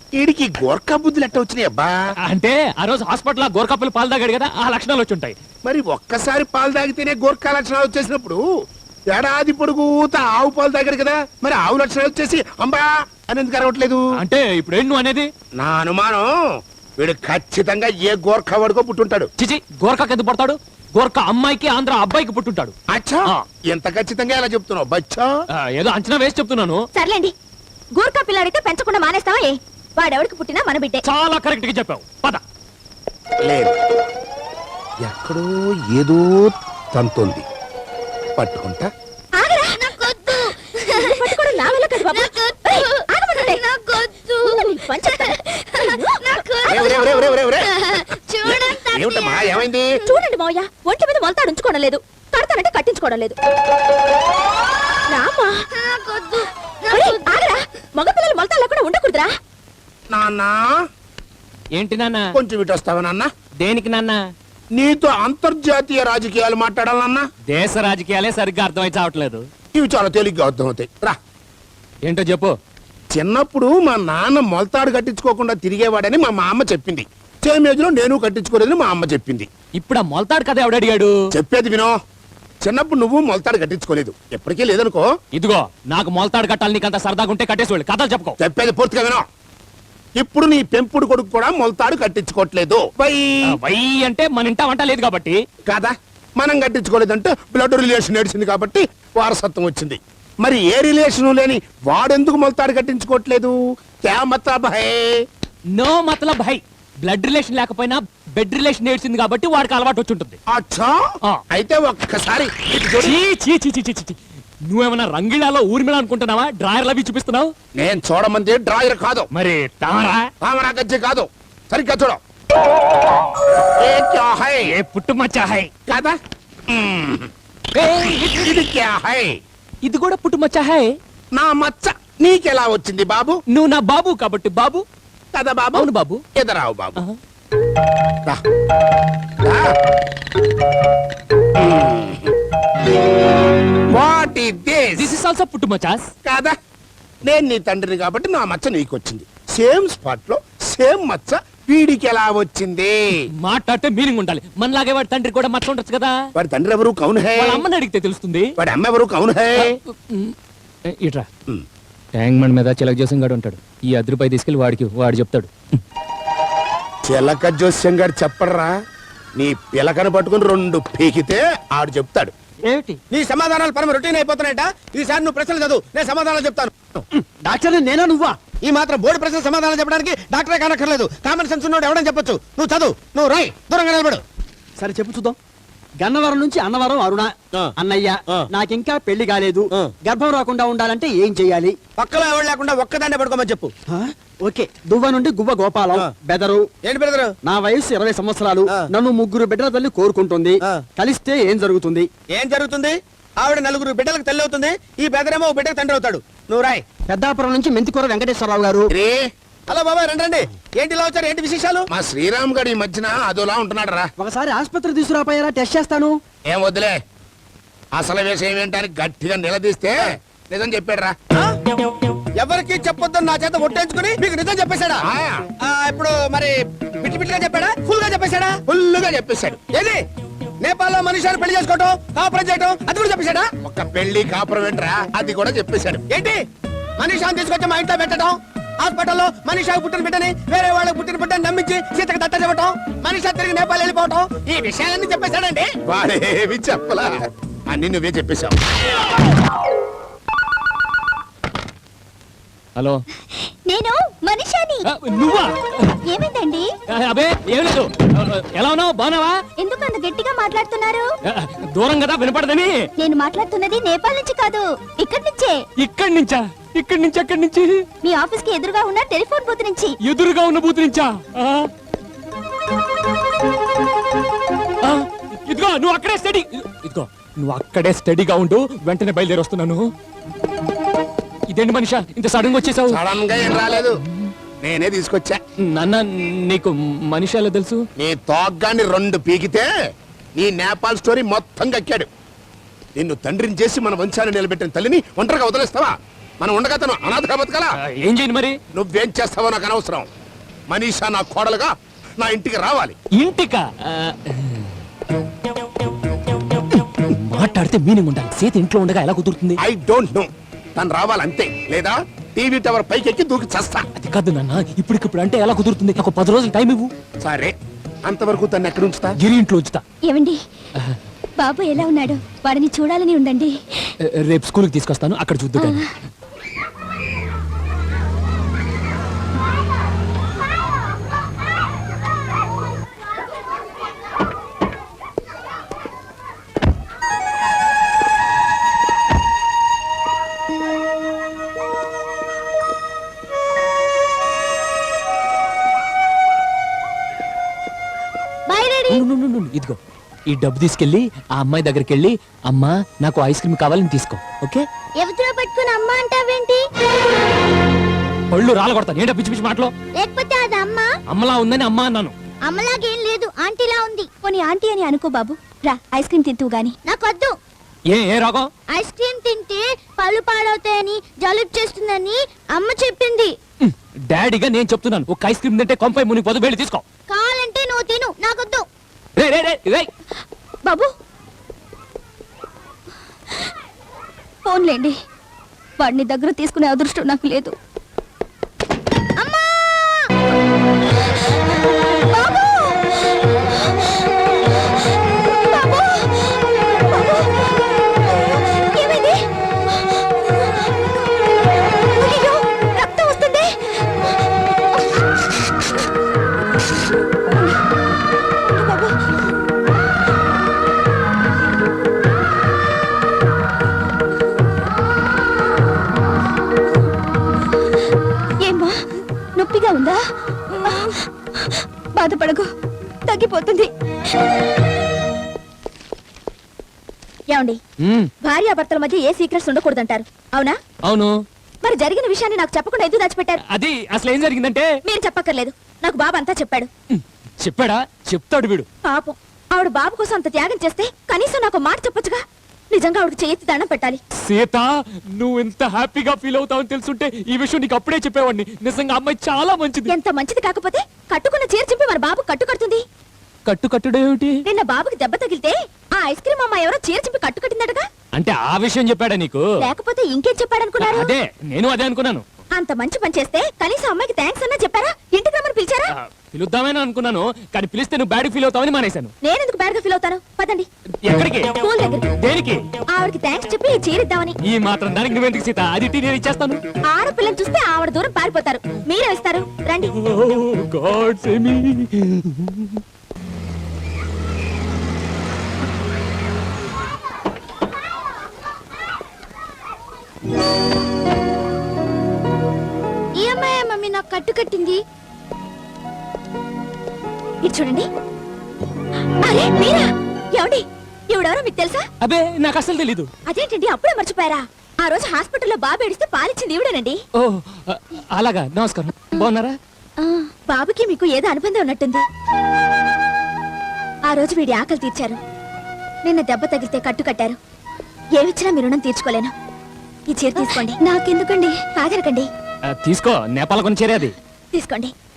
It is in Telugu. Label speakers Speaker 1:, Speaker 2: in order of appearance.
Speaker 1: వీడికి గోర్ఖా బుద్ధులు ఎట్ట వచ్చినాయి అబ్బా?
Speaker 2: అంటే ఆ రోజు హాస్పిటల్ గోరకప్పులు పాలు తాగాడు కదా, ఆ లక్షణాలు వచ్చి ఉంటాయి.
Speaker 1: మరి ఒక్కసారి పాలు తాగితేనే గోర్ఖా లక్షణాలు వచ్చేసినప్పుడు ఏడాది పొడుగుత ఆవు పాలు తాగాడు కదా, మరి ఆవు లక్షణాలు వచ్చేసి అంబా అని ఎందుకు అరవట్లేదు?
Speaker 2: అంటే ఇప్పుడు ఏంటి నువ్వు అనేది?
Speaker 1: నా అనుమానం వీడు ఖచ్చితంగా ఏ గోర్ఖా వాడుకో పుట్టుంటాడు.
Speaker 2: చిచి, గోరకాకి ఎందుకు పడతాడు? గోరకా అమ్మాయికి ఆంధ్ర అబ్బాయికి పుట్టుంటాడు.
Speaker 1: అచ్చా, ఎంత ఖచ్చితంగా ఎలా చెప్తున్నావు బచ్చా?
Speaker 2: ఏదో అంచనా వేసి చెప్తున్నాను.
Speaker 3: సర్లేండి, గూర్ఖా పిల్లాడితే పెంచకుండా మానేస్తావా? వాడెవడికి పుట్టినా మన బిడ్డే.
Speaker 2: చాలా కరెక్ట్ గా చెప్పావు. పద.
Speaker 1: లేదు, ఎక్కడో ఏదో తంతోంది, పట్టుకుంటా. ఏమైంది?
Speaker 3: చూడండి మావయ్య, ఒంటి మీద మొలతాడు ఉంచుకోవడం లేదు, కడతానంటే కట్టించుకోవడం లేదు. రామా, మగపిల్లలు మొలతాడు లేకుండా ఉండకూడదురా.
Speaker 1: నాన్నా,
Speaker 2: ఏంటి నాన్న?
Speaker 1: కొంచెం ఇటు వస్తావా నాన్న?
Speaker 2: దేనికి నాన్న?
Speaker 1: నీతో అంతర్జాతీయ రాజకీయాలు మాట్లాడాలన్నా.
Speaker 2: దేశ రాజకీయాలే సరిగ్గా అర్థమై చావట్లేదు.
Speaker 1: ఇవి చాలా తేలిగ్గా అర్థమవుతాయి. రా.
Speaker 2: ఏంటో చెప్పు.
Speaker 1: చిన్నప్పుడు మా నాన్న మొలతాడు కట్టించుకోకుండా తిరిగేవాడని మా అమ్మ చెప్పింది. సేమ్ ఏజ్ లో నేను కట్టించుకోలేదని మా అమ్మ చెప్పింది.
Speaker 2: ఇప్పుడు ఆ మొలతాడు కదా ఎవడు అడిగాడు?
Speaker 1: చెప్పేది వినో. చిన్నప్పుడు నువ్వు మొలతాడు కట్టించుకోలేదు, ఎప్పటికీ లేదనుకో.
Speaker 2: ఇదిగో, నాకు మొలతాడు కట్టాలి, నీకంత సరదాగా ఉంటే కట్టేసి కథలు చెప్పుకో.
Speaker 1: చెప్పేది పూర్తిగా వినో. ఇప్పుడు నీ పెంపుడు కొడుకు కూడా మొలతాడు కట్టించుకోవట్లేదు.
Speaker 2: వై అంటే మన ఇంట వంట లేదు కాబట్టి
Speaker 1: కాదా? మనం కట్టించుకోలేదంటే బ్లడ్ రిలేషన్ ఏడ్చింది కాబట్టి వారసత్వం వచ్చింది. మరి ఏ రిలేషన్ లేని వాడెందుకు మొలతాడు కట్టించుకోవట్లేదు? క్యా మతలబ్ హై?
Speaker 2: నో మతలబ్ హై. బ్లడ్ రిలేషన్ లేకపోయినా బెడ్ రిలేషన్ ఏడ్చింది కాబట్టి వాడికి అలవాటు వచ్చి ఉంటుంది.
Speaker 1: అచ్చా, అయితే ఒక్కసారి
Speaker 2: నువ్వేమన్నా రంగిళాలో ఊర్మిళ అనుకుంటున్నావా? డ్రాయర్ లవి చూపిస్తున్నావు.
Speaker 1: నేను చూడమంది డ్రాయర్ కాదు,
Speaker 2: మరి
Speaker 1: తామరా గజ్జె కాదు. సరిగ్గా చూడ. ఏ
Speaker 2: పుట్టుమచ్చ హై
Speaker 1: కాదా? ఇది క్యా హై?
Speaker 2: ఇది కూడా పుట్టుమచ్చ హై.
Speaker 1: నా మచ్చ నీకెలా వచ్చింది బాబు?
Speaker 2: నువ్వు నా బాబు కాబట్టి బాబు
Speaker 1: కదా బాబు?
Speaker 2: అవును బాబు.
Speaker 1: ఎదరావు బాబు. What is this?
Speaker 2: This is also పుట్టుమచ్చస్
Speaker 1: కాదా? నేను నీ తండ్రిని కాబట్టి నా మచ్చ నీకొచ్చింది. సేమ్ స్పాట్ లో సేమ్ మచ్చ వీడికి ఎలా వచ్చింది?
Speaker 2: మాట్లాడితే మీనింగ్ ఉండాలి. మనలాగే వాడి తండ్రి కూడా మచ్చ ఉండొచ్చు కదా.
Speaker 1: వాడి తండ్రి ఎవరు? కౌన్ హై?
Speaker 2: వాళ్ళ అమ్మని అడిగితే తెలుస్తుంది.
Speaker 1: వాడి అమ్మ ఎవరు? కౌన్ హై?
Speaker 2: ఇట్రా. ట్యాంక్ బండ్ మీద చిలక జోస్యం గాడు ఉంటాడు. ఈ ₹10 తీసుకెళ్లి వాడు చెప్తాడు.
Speaker 1: చిలక జోస్యం గారు చెప్పడరా, నీ పిలకను పట్టుకుని 2 పీకితే ఆడు చెప్తాడు.
Speaker 2: ఏమిటి?
Speaker 1: నీ సమాధానాలు పరమ రొటీన్ అయిపోతున్నాయట. ఈసారి నువ్వు ప్రశ్నలు చదువు, నేను సమాధానాలు చెప్తాను.
Speaker 2: డాక్టర్ నేనా నువ్వా?
Speaker 1: ఈ మాత్రం బోర్డు ప్రశ్న సమాధానం చెప్పడానికి డాక్టరే కానక్కర్లేదు. కామన్ సెన్స్ ఉన్నోడు ఎవడని చెప్పొచ్చు. నువ్వు చదువు, నువ్వు రాయ్, దూరంగా నిలబడు.
Speaker 4: సరే చెప్పు చూద్దాం. గన్నవరం నుంచి అన్నవరం అరుణ. అన్నయ్య, నాకింకా పెళ్లి కాలేదు, గర్భం రాకుండా ఉండాలంటే ఏం చెయ్యాలి?
Speaker 1: పక్కలో ఎవరు లేకుండా ఒక్కదాన్నే పడుకోమని చెప్పు.
Speaker 4: ఓకే. దువ్వ నుండి గువ్వ గోపాలం. బెదరు.
Speaker 1: ఏంటి బెదరు?
Speaker 4: నా వయసు 20 సంవత్సరాలు. నన్ను 3 బిడ్డల తల్లి కోరుకుంటుంది. కలిస్తే ఏం జరుగుతుంది?
Speaker 1: ఏం జరుగుతుంది? ఆవిడ 4 బిడ్డలకు తల్లి అవుతుంది. ఈ బెదరేమో బిడ్డకు తండ్రి అవుతాడు. నువ్వు రాయ్.
Speaker 4: పెద్దాపురం నుంచి మెంతికూర వెంకటేశ్వరరావు గారు.
Speaker 1: హలో బాబాయ్, రండి. ఏంటి ఇలా వచ్చారు? ఏంటి విశేషాలు? మా శ్రీరామ్ గారు ఈ మధ్యన అదోలా ఉంటున్నాడు రా.
Speaker 4: ఒకసారి ఆసుపత్రి తీసుకురాపోయారా? టెస్ట్ చేస్తాను.
Speaker 1: ఏం వద్దులే, అసలు విషయం ఏంటని గట్టిగా నిలదీస్తే నిజం చెప్పాడు రా. ఎవరికి చెప్పొద్దని నా చేత ఒట్టేంచుకుని మీకు నిజం చెప్పేశాడా? ఇప్పుడు మరి బిట్టి బిట్టిగా చెప్పాడా? ఫుల్ గా చెప్పేశాడా? ఫుల్ గా చెప్పేశాడు. ఏది నేపాల్లో మనిషిని పెళ్లి చేసుకోవటం, కాపురం చేయటం, అది కూడా చెప్పేశాడా? ఒక పెళ్లి కాపురం ఏంట్రా, అది కూడా చెప్పేశాడు. ఏంటి మనిషిని తీసుకొచ్చి మా ఇంట్లో పెట్టడం, హాస్పిటల్లో మనిషికి పుట్టిన బిడ్డని వేరే వాళ్ళకి పుట్టిన బిడ్డని నమ్మించి సీతకు దత్త చెప్పటం, మనిషి తిరిగి నేపాల్ వెళ్ళిపోవటం, ఈ విషయాలన్నీ చెప్పేశాడండి. వాడేవి చెప్పలా, అన్ని నువ్వే చెప్పేశావు.
Speaker 2: హలో,
Speaker 3: నేను మనిషాని.
Speaker 2: నువ్వా?
Speaker 3: ఏమైందండి?
Speaker 2: అబే ఏం లేదు. ఎలా ఉన్నావు? బాగున్నావా?
Speaker 3: ఎందుకు అంత గట్టిగా మాట్లాడుతున్నారు?
Speaker 2: దూరం కదా వినపడదని.
Speaker 3: నేను మాట్లాడుతున్నది నేపాల్ నుంచి కాదు, ఇక్కడి నుంచే.
Speaker 2: ఇక్కడి నుంచా? ఇక్కడి నుంచి ఎక్కడి నుంచి?
Speaker 3: మీ ఆఫీస్ కి ఎదురుగా ఉన్న టెలిఫోన్ బూత్ నుంచి.
Speaker 2: ఎదురుగా ఉన్న బూత్ నుంచా? ఇదిగో నువ్వు అక్కడే స్టడీగా ఉండు, వెంటనే బయలుదేరి వస్తున్నాను. ఇదేంటి మనిషా ఇంత సడన్ గా వచ్చేసావు?
Speaker 1: సడన్ గా ఏం రాలేదు, నేనే తీసుకొచ్చా.
Speaker 2: నాన్న, నీకు మనిషి ఎలా తెలుసు?
Speaker 1: నీ తోగ్గాన్ని 2 పీకితే నీ నేపాల్ స్టోరీ మొత్తం కక్కాడు. నిన్ను తండ్రిని చేసి మన వంశాన్ని నిలబెట్టిన తల్లిని ఒంటరిగా వదిలేస్తావా? మనం ఉండగా తను అనాథగా బతకాలా?
Speaker 2: ఏం చేయండి మరి?
Speaker 1: నువ్వేం చేస్తావో నాకు అనవసరం. మనీషా నా కోడలుగా నా ఇంటికి రావాలి.
Speaker 2: ఇంటికా? మాట్లాడితే మీనింగ్ ఉండాలి. సీత ఇంట్లో ఉండగా ఎలా కుదురుతుంది?
Speaker 1: I don't know. తను రావాలంతే, లేదా టీవీ టవర్ పైకి ఎక్కి దూకి చస్తా.
Speaker 2: అది కాదు నాన్న, ఇప్పటికిప్పుడు అంటే ఎలా కుదురుతుంది? నాకు 10 రోజులు టైం ఇవ్వు.
Speaker 1: సరే, అంతవరకు తను ఎక్కడ ఉంచుతా?
Speaker 2: గిరి ఇంట్లో ఉంచుతా.
Speaker 3: ఏమండి బాబు ఎలా ఉన్నాడు? వాడిని చూడాలని ఉండండి.
Speaker 2: రేపు స్కూల్కి తీసుకొస్తాను, అక్కడ చూద్దు కానీ.
Speaker 3: Bye daddy.
Speaker 2: ఇదిగో ఈ డబ్బు తీసుకెళ్ళి ఆ అమ్మాయి దగ్గరికి వెళ్ళి, అమ్మా నాకు ఐస్ క్రీమ్ కావాలని తీసుకో. ఓకే?
Speaker 3: ఎవరితో పట్టుకుని అమ్మ అంటావేంటి?
Speaker 2: పళ్ళు రాలగొడతాను. ఏంటో పిచ్చి పిచ్చి మాటలు.
Speaker 3: లేకపోతే అది అమ్మ
Speaker 2: అమ్మలా ఉందని అమ్మా అన్నాను.
Speaker 3: అమ్మలాగేం లేదు, ఆంటీలా ఉంది. పోనీ ఆంటీ అని అనుకో బాబు. రా ఐస్ క్రీమ్ తింటూ గాని. నాకొద్దు.
Speaker 2: ఏ రోగం?
Speaker 3: ఐస్ క్రీమ్ తింటే పళ్ళు పాడవుతాయని, జలుబు చేస్తుందని అమ్మ చెప్పింది.
Speaker 2: డాడీగా నేను చెప్తున్నాను, ఒక ఐస్ క్రీమ్ తింటే కొంపై మునిగిపోదు. వెళ్ళి తీసుకో.
Speaker 3: కావాలంటే నువ్వు తిను, నాకొద్దు.
Speaker 2: రే రే రే రే.
Speaker 3: బాబు ఫోన్లేండి, వాడిని దగ్గర తీసుకునే అదృష్టం నాకు లేదు. అమ్మా! బాబు! బాబు! బాబు! ఏమైంది? అయ్యయ్యో, రక్తం వస్తుంది. బాబు! ఏమ్మా, నొప్పిగా ఉందా? బాధపడకు, తగ్గిపోతుంది. ఏమండి, భార్యాభర్తల మధ్య ఏ సీక్రెట్స్ ఉండకూడదంటారు, అవునా?
Speaker 2: అవును.
Speaker 3: మరి జరిగిన విషయాన్ని నాకు చెప్పకుండా ఎందుకు దాచిపెట్టారు?
Speaker 2: అది అసలు ఏం జరిగిందంటే,
Speaker 3: మీరు చెప్పక్కర్లేదు, నాకు బాబు అంతా చెప్పాడు.
Speaker 2: చెప్పాడా? చెప్తాడు వీడు.
Speaker 3: పాపం, ఆవిడ బాబు కోసం అంత త్యాగం చేస్తే కనీసం నాకు మాట చెప్పొచ్చుగా. నిజంగా ఆవిడకి చేతి దండం పెట్టాలి.
Speaker 2: సీత, నువ్వు ఎంత హ్యాపీగా ఫీల్ అవుతావని తెలుసుంటే ఈ విషయం నీకు అప్పుడే చెప్పేవాడిని. నిజంగా అమ్మాయి చాలా మంచిది.
Speaker 3: ఎంత మంచిది కాకపోతే కట్టుకున్న చీర చింపి మన బాబు కట్టు కడుతుంది.
Speaker 2: కట్టుడేమిటి?
Speaker 3: నిన్న బాబుకి దెబ్బ తగిలితే ఆ ఐస్ క్రీమ్ అమ్మ ఎవరో చీర చింపి కట్టు కట్టిందటగా.
Speaker 2: అంటే ఆ విషయం చెప్పాడా నీకు?
Speaker 3: లేకపోతే ఇంకేం చెప్పాడనుకున్నారు?
Speaker 2: అదే, నేను అదే అనుకున్నాను.
Speaker 3: అంత మంచి పని చేస్తే కనీసం అమ్మాయికి థ్యాంక్స్ అన్నా చెప్పారా? ఇంటికి రమ్మని పిలిచారా?
Speaker 2: పిలుద్దామని అనుకున్నాను, కానీ పిలిస్తే నువ్వు బ్యాడ్ ఫీల్ అవుతావని మానేశాను.
Speaker 3: నేనెందుకు బ్యాడ్ గా ఫీల్ అవుతాను? పదండి.
Speaker 2: ఎక్కడికి?
Speaker 3: స్కూల్ దగ్గరికి.
Speaker 2: దేనికి?
Speaker 3: ఆవిడకి థ్యాంక్స్ చెప్పి ఈ చీర ఇద్దామని.
Speaker 2: ఈ మాత్రం దానికి నువ్వెందుకు సీత? అది నేను ఇచ్చేస్తాను.
Speaker 3: ఆడపిల్లని చూస్తే ఆవిడ దూరం పారిపోతారు, మీరే ఇస్తారు. రండి.
Speaker 2: God save me.
Speaker 3: ఈ అమ్మాయి మమ్మీ నాకు కట్టు కట్టింది. ఇది చూడండి. అరే మీరా? ఏమండి, ఎవడెవరో మీకు తెలుసా?
Speaker 2: అబే, నాకు అసలు తెలీదు.
Speaker 3: అదేంటండి, అప్పుడే మర్చిపోయారా? ఆ రోజు హాస్పిటల్లో బాబు ఏడిస్తే పాలిచ్చింది ఈవిడేనండి.
Speaker 2: ఓ, అలాగా. నమస్కారం. బాగున్నారా?
Speaker 3: బాబుకి మీకు ఏదో అనుబంధం ఉన్నట్టుంది. ఆ రోజు వీడి ఆకలి తీర్చారు, నిన్న దెబ్బ తగిలితే కట్టు కట్టారు. ఏమిచ్చినా మీ రుణం తీర్చుకోలేను. ఈ చీర తీసుకోండి. నాకెందుకండి? ఆగరకండి.
Speaker 2: తీసుకో, నేపాల్ కొని చేరేది.
Speaker 3: తీసుకోండి.